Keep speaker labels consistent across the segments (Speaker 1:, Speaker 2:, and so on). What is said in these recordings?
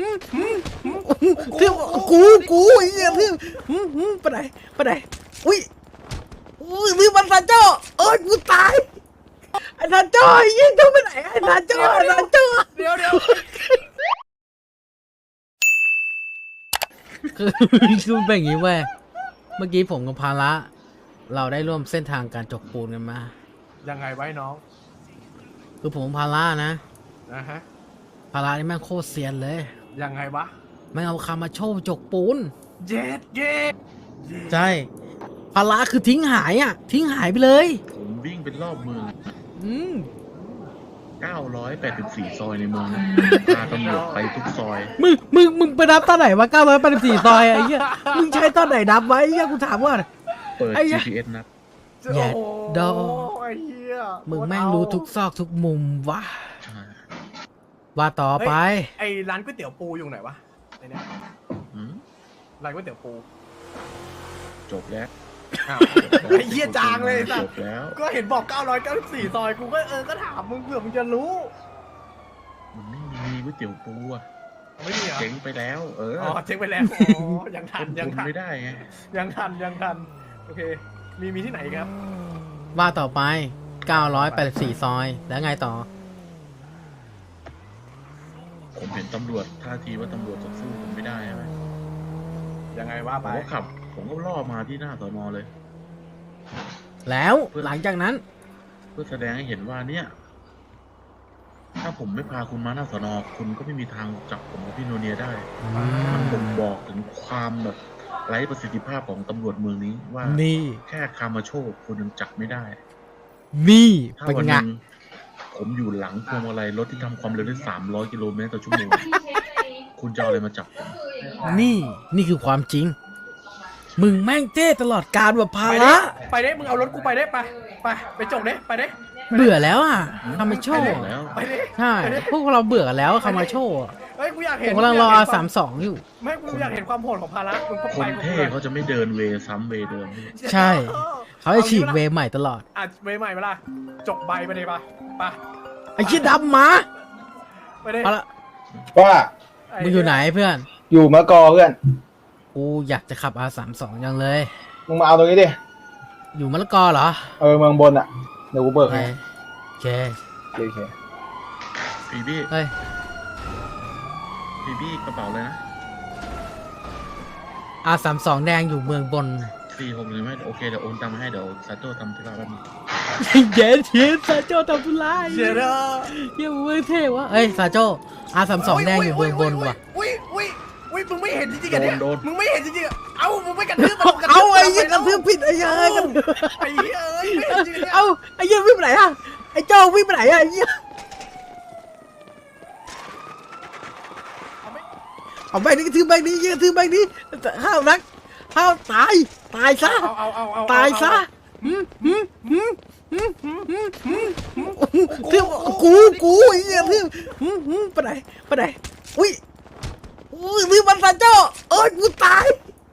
Speaker 1: เที่ยวกูไอ้เหี้ยเที่ยวไปไหนอุ้ยมีมันซาโจ้เอ้ยกูตายไอ้ซาโจ้ไอ้ยี่ต้องไปไหนไอ้ซาโจ้
Speaker 2: เดี๋ยว
Speaker 1: คือเป็นอย่างนี้เว้ยเมื่อกี้ผมกับภาระเราได้ร่วมเส้นทางการจกปูนกันมา
Speaker 2: ยังไงไว้น้อง
Speaker 1: คือผมภาระนะ
Speaker 2: ฮะ
Speaker 1: ภาระนี่แม่งโคตรเซียนเลย
Speaker 2: ยังไงวะ
Speaker 1: ไม่เอาคามาโชว์จกปูน
Speaker 2: เย็ด
Speaker 1: ใช่ภาระคือทิ้งหายไปเลย
Speaker 3: ผมวิ่งเป็นรอบเมือง984 ซอยในเมืองนะพาตำรวจไปทุกซอย
Speaker 1: มึงไปนับตอนไหนวะ984 ซอยไอ้เหี้ยมึงใช้ตอนไหนนับไว้ไอ้เหี้ยกูถามว่า
Speaker 3: เปิด GPS นับ
Speaker 1: แย่ดอ
Speaker 2: ไอ้เหี้ย
Speaker 1: มึงแม่งรู้ทุกซอกทุกมุมวะว่าต่อไป
Speaker 2: ไอ้ร้านก๋วยเตี๋ยวปูอยู่ไหนวะไอ้เนี่ยร้านก๋วยเตี๋ยวปู
Speaker 3: จบแล้ว
Speaker 2: ไอ้เหี้ยจางเลยสั
Speaker 3: จบแล้ว
Speaker 2: ก็เห็นบอก994 ซอยกูก็ถามมึงเผื่อมึงจะรู้
Speaker 3: มันไม่มีก๋วยเตี๋ยวปูอ่ะ
Speaker 2: ไม่มีเหรอ
Speaker 3: เจ๊งไปแล้ว
Speaker 2: เจ๊งไปแล้วยังทัน
Speaker 3: ไม่ได้ไง
Speaker 2: ยังทันโอเคมีที่ไหนครับ
Speaker 1: ว่าต่อไป984 ซอยแล้วไงต่อ
Speaker 3: ผมเห็นตำรวจท่าทีว่าตำรวจจะสู้ผมไม่ได้ใช่ไหม
Speaker 2: ยังไงว่าไป
Speaker 3: ผมก็ล่อมาที่หน้าสน.เลย
Speaker 1: แล้วหลังจากนั้น
Speaker 3: เพื่อแสดงให้เห็นว่าเนี่ยถ้าผมไม่พาคุณมาหน้าสน.คุณก็ไม่มีทางจับผมกับพี่โนเนียได้มันบ่งบอกถึงความแบบไร้ประสิทธิภาพของตำรวจเมืองนี้ว่า
Speaker 1: นี่
Speaker 3: แค่คามาโชว์คุณยังจับไม่ได้
Speaker 1: นี่
Speaker 3: ถ้าวันนึงผมอยู่หลังพวงมาลัยรถที่ทำความเร็วได้300 กิโลเมตรต่อชั่วโมงคุณจะเอาอะไรมาจับผม
Speaker 1: นี่คือความจริงมึงแม่งเจ้ตลอดการแบบภาระ
Speaker 2: ไปได้มึงเอารถกูไปได้ไปจบได้ไปได้
Speaker 1: เบื่อแล้วอ่ะคามาโชว์ใช่พวกเราเบื่อกันแล้วคามาโชว์
Speaker 2: เฮ้ยกูอยากเห็น
Speaker 1: กำลังรอ32อยู่
Speaker 2: ไม่กูอยากเห็นความโหดของภาระมึงก็
Speaker 3: ไปคนเท่เขาจะไม่เดินเวซ้ำเวเดิม
Speaker 1: ใช่เขาจะฉีกเวใหม่ตลอด
Speaker 2: เวใหม่เวลาจบใบไปเลยไป
Speaker 1: ไอ้ชี้ดำมา
Speaker 2: ไปเลย
Speaker 4: ว่า
Speaker 1: มึงอยู่ไหนเพื่อน
Speaker 4: อยู่มะกอเพื่อน
Speaker 1: กูอยากจะขับ R32 ยังเลย
Speaker 4: มึงมาเอาตรงนี้ดิ
Speaker 1: อยู่มะละกอเหรอ
Speaker 4: เมืองบนอ่ะเดี๋ยวกูเบิกให้
Speaker 1: โอเค
Speaker 3: พี่บี้
Speaker 1: เฮ้ย
Speaker 3: พี่บี้กระเป๋าเลยนะ
Speaker 1: R32 แดงอยู่เมืองบน
Speaker 3: 46เลยไหมโอเคเดี๋ยวโอนตังค์มาให้เดี๋ยวซาโต้ทำธุระแป๊บนึง
Speaker 1: เย็นซาโจ้ทำธุระ
Speaker 2: เชียร์
Speaker 1: เยี่ยมเว้ยเท่วะเอ้ยซาโจ้ R32 แดงอยู่เมืองบนว่ะ
Speaker 2: มึงไม่เห็นจริงๆกันเนี่ยมึงไม่เห็นจริงๆเอ้ามึงไม่กระทืบมัน
Speaker 1: เอาไอ้ยี่กระทืบผิดไอ้เหี้ยกัน
Speaker 2: ไอ้เหี้ย
Speaker 1: เอาไอ้ยี่วิ่งไปไหนอะไอ้โจ้วิ่งไปไหนอะไอ้ยี่เอาแบงค์นี้กระทืบแบงค์นี้กระทืบแบงค์นี้ห้าวนักห้าวตายซะตายซะเที่ยวกูไอ้เหี้ยเที่ยวไปไหนอุ้ยมีมันซาโจ้เอ้ยกูตาย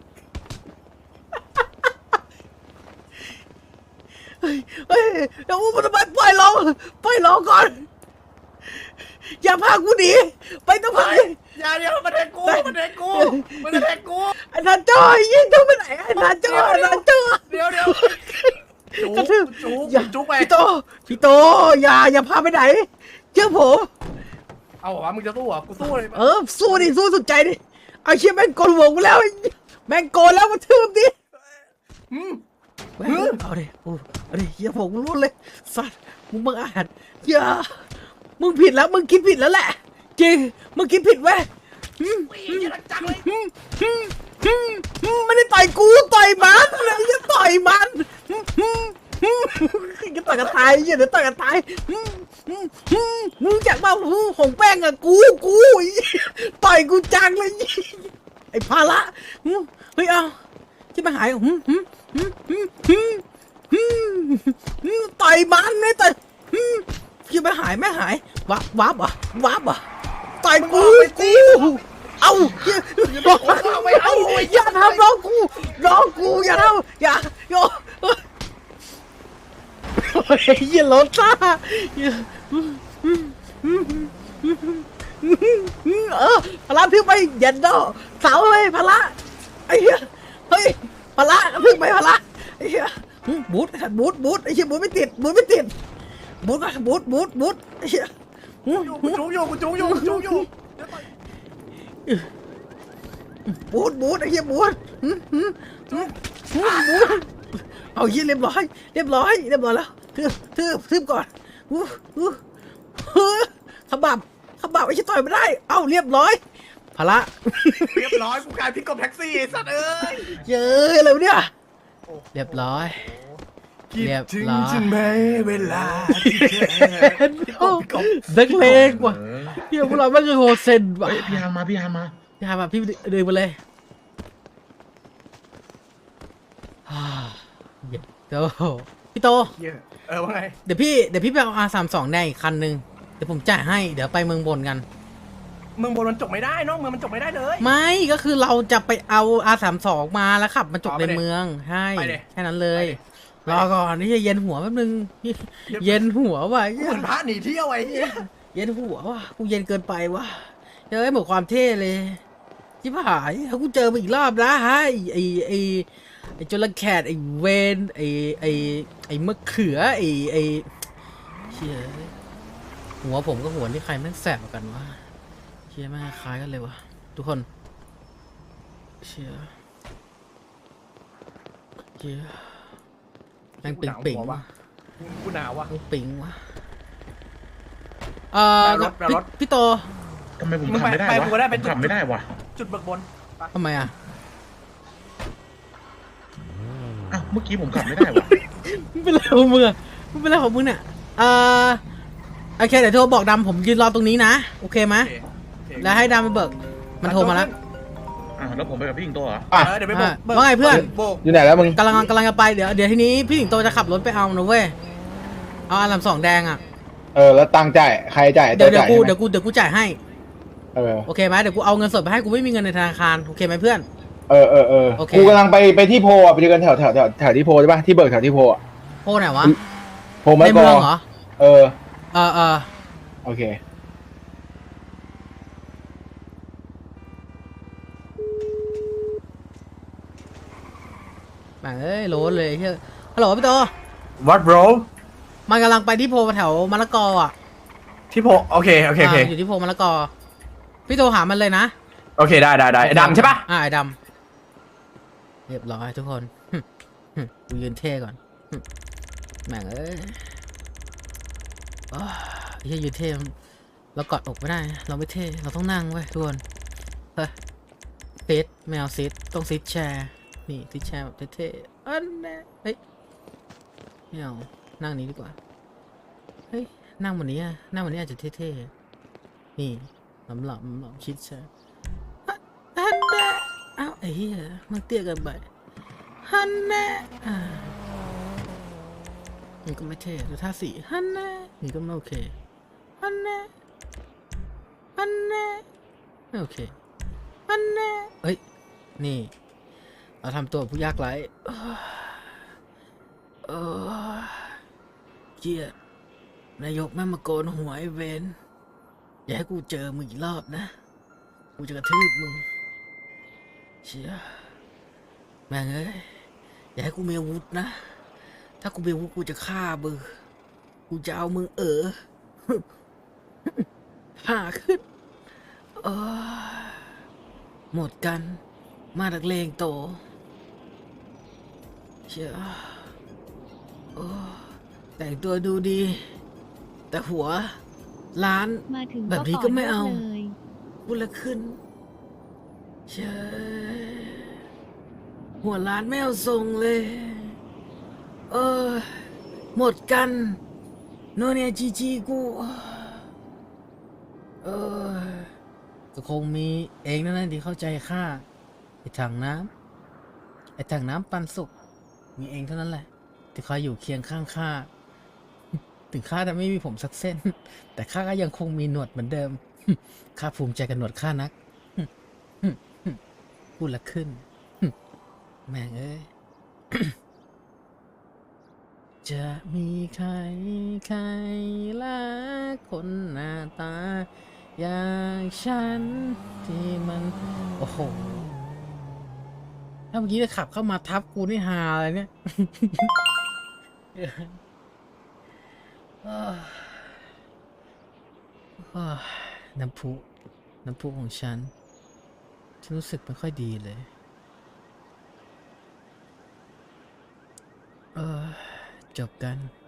Speaker 1: เฮ้ยเดี๋ยวมันทำไมปล่อยเราก่อนอย่าพากูหนีไปต้องไป
Speaker 2: อย่าเดี๋ยวมันแทงกู
Speaker 1: ไอ้ซาโจ้ยิ่งต้องไปไหนไอ้ซาโจ้
Speaker 2: เดี๋ยว
Speaker 1: กระทืบ
Speaker 2: จุ๊บไป
Speaker 1: พี่โตอย่าพาไปไหนเชื่อผม
Speaker 2: เอาวะมึงจะสู้เหรอกูสู้เลย
Speaker 1: สู้ดิสู้สุดใจดิเอาเชี่ยแม่งโกนหัวกูแล้วแม่งโกนแล้วมาทืบดิเอาดิเฮียผมรู้เลยสัตว์มึงบังอาจอย่ามึงผิดแล้วมึงคิดผิดแล้วแหละจริงมึงคิดผิดเว้ยไม่ได้ต่อยกูต่อยมันอย่าต่อยมันจะต่อยกันตายอย่าเดี๋ยวต่อยกันตายมึงจากบ้าหงแป้งอะกูต่อยกูจังเลยไอ้ภาระเฮ้ยเอาที่มาหายต่อยมันไม่ต่อยที่มาหายไม่หายวับต่อยกูเอา
Speaker 2: ไม่เอา
Speaker 1: อย่าทำน้องกูอย่าทำอย่าเหี้ยรถซ่าอะไรละทึบไปเย็นโดเสาเลยพละไอ้เหี้ยเฮ้ยพละทึบไปพละไอ้เหี้ยบูทบูทไอ้เหี้ยบูทไม่ติดบูทไม่ติดบูทก็บูทไอ้เหี้ย
Speaker 2: กูจูอยู่
Speaker 1: บูทไอ้เหี้ยบูทเอาเหี้ยเรียบร้อยแล้วทืบก่อนขบับไอ้เหี้ยต่อยไม่ได้เอ้าเรียบร้อยพละ
Speaker 2: เรียบร้อยกูกลายพิกกับแท็กซี่ไอ้สัตว์เอ้ย
Speaker 1: เจออะไรวะเนี่ยเรียบร้อย
Speaker 2: คิด
Speaker 1: เรียบ
Speaker 2: ถึง
Speaker 1: ร้อย
Speaker 2: ใช่ไหมเวลาที่เธอพี่กบ
Speaker 1: นักเลงว่ะเฮียพวกเราไม่เคยโหดเซนว่ะ
Speaker 3: เฮ้ยพี่ฮันมา
Speaker 1: พี่หามาพี่ดึงไปเลยเดี๋ยวพี่โต
Speaker 2: เหี้ยว่าไง
Speaker 1: เดี๋ยวพี่ไปเอา R32 แดงอีกคันนึงเดี๋ยวผมจ่ายให้เดี๋ยวไปเมืองบนกัน
Speaker 2: เมืองบนมันจบไม่ได้น้องเมืองมันจบไม่ได้เลย
Speaker 1: ไม่ก็คือเราจะไปเอา R32 มาแล้วขับมาจบในเมืองใช่
Speaker 2: ไปดิ
Speaker 1: แค่นั้นเลยรอก่อนนี่จะเย็นหัวแป๊บนึงเย็นหัวว่ะ
Speaker 2: เหมือนพระหนีเที่ยวไอ้เหี้ย
Speaker 1: เย็นหัวว่ะกูเย็นเกินไปว่ะเจอหมดความเท่เลยชิบหายถ้ากูเจอมาอีกรอบนะฮะไอ้จระแคดไอ้เวนไอ้มะเขือไอ้เชี่ยหัวผมกับหัวนี่ใครแม่งแสบกว่ากันวะเชี่ยแม่งคล้ายกันเลยวะทุกคนเชี่ยแม่งปิ่งๆว่ะ
Speaker 2: กูหนาวว่ะ
Speaker 1: ปิ่งว่ะ
Speaker 2: แปลรถ
Speaker 1: พี่โต
Speaker 3: ทำไมผมขับไม่ได้
Speaker 2: ไป
Speaker 3: วะ
Speaker 2: กูก็ได้
Speaker 3: ผ
Speaker 2: ไป
Speaker 3: มขับไม่ได้วะ
Speaker 2: จุดเบิกบน
Speaker 1: ทำไมอ่ะ
Speaker 3: อ้าวเมื่อกี้ผมขับไม่ได้วะ
Speaker 1: ไม่เป็นไรของมึงอ่ะไม่เป็นไรของมึงเนี่ยโอเคเดี๋ยวโทรบอกดำผมยืนรอตรงนี้นะโอเคไหม
Speaker 2: โอเค
Speaker 1: แล้วให้ดำไปเบิกมันโทรมาแล้ว
Speaker 3: อ้าวแล้วผมไปกับพี่สิงโตเหรอ
Speaker 4: อ่ะ
Speaker 2: เดี๋ยวไปโบก
Speaker 1: ว่าไงเพื่อน
Speaker 2: โบก
Speaker 4: อยู่ไหนแล้วมึง
Speaker 1: กำลังจะไปเดี๋ยวทีนี้พี่สิงโตจะขับรถไปเอานะเว้ยเอาR32 แดงอ่ะ
Speaker 4: แล้วตังค์จ่ายใครจ่าย
Speaker 1: เดี๋ยว
Speaker 4: จ่ายใช่ไหม
Speaker 1: กูจ่ายให้ โอเคไหมเดี๋ยวกูเอาเงินสดไปให้กูไม่มีเงินในธนาคารโอเคไหมเพื่อน โอเค
Speaker 4: กูกำลังไปที่โพอ่ะไปเจอกันแถวที่โพใช่ปะที่เบิกแถวที่โพอ่ะ
Speaker 1: โพไหนวะ
Speaker 4: โพมะ
Speaker 1: ใน
Speaker 4: ก
Speaker 1: เมื
Speaker 4: อ
Speaker 1: องเหรอ
Speaker 4: เออ โอเค
Speaker 1: แม่งเอ้ยโหลดเลยเฮ้ยฮัลโหลพี่โต
Speaker 2: วัดโบร
Speaker 1: มันกำลังไปที่โพแถวมะละกออ่ะ
Speaker 2: ที่โพโอเค
Speaker 1: อยู่ที่โพมะละกอพี่โตหามันเลยนะ
Speaker 2: โอเคได้ไอ้ดำใช่ปะ
Speaker 1: ไอ้ดำเรียบร้อยทุกคนกูยืนเท่ก่อนแม่งเอ้ยเฮียยืนเท่เรากอดอกไม่ได้เราไม่เท่เราต้องนั่งเว้ยทุกคนเฮ้ยซีทไม่เอาซีทต้องซีทแชร์นี่ซีทแชร์แบบเท่ๆอันนี้เฮ้ยไม่เอานั่งนี้ดีกว่าเฮ้ยนั่งวันนี้อะนั่งวันนี้อาจจะเท่ๆนี่หลับชิดแชร์อันนี้อ้าวไอ้เหี้ยมันเตี้ยเกินไปฮันแน่มันก็ไม่เท่ดูท่าสีฮันแน่นี่ก็ไม่โอเคฮันแน่ไม่โอเคฮันแน่เฮ้ยนี่เราทำตัวผู้ยากไร้เกียดนายกแม่มาโกนหัวไอ้เวนอย่าให้กูเจอมึงอีกรอบนะกูจะกระทืบมึงเชี่ยแม่งเอ้ยอย่าให้กูมีอาวุธนะถ้ากูมีอาวุธกูจะฆ่ามึงกูจะเอามึงหาขึ้นหมดกันมาดักเลงโตเชี่ยแต่งตัวดูดีแต่หัวล้านแบบนี้ก็ไม่เอาพูดละขึ้นเชี่ยหัวล้านไม่เอาทรงเลยหมดกันโนเนียจีกูก็คงมีเองนั่นแหละที่เข้าใจข้าไอ้ถังน้ำปันสุกมีเองเท่านั้นแหละที่คอยอยู่เคียงข้างข้าถึงข้าจะไม่มีผมสักเส้นแต่ข้าก็ยังคงมีหนวดเหมือนเดิมข้าภูมิใจกับหนวดข้านักพูดละขึ้นแม่งเอ้ย จะมีใครรักคนหน้าตาอย่างฉันที่มันโอ้โหถ้าเมื่อกี้จะขับเข้ามาทับกูนี่ฮาอะไรเนี่ย อ้าวอ้าวน้ำพุของฉันรู้สึกไม่ค่อยดีเลยจบกัน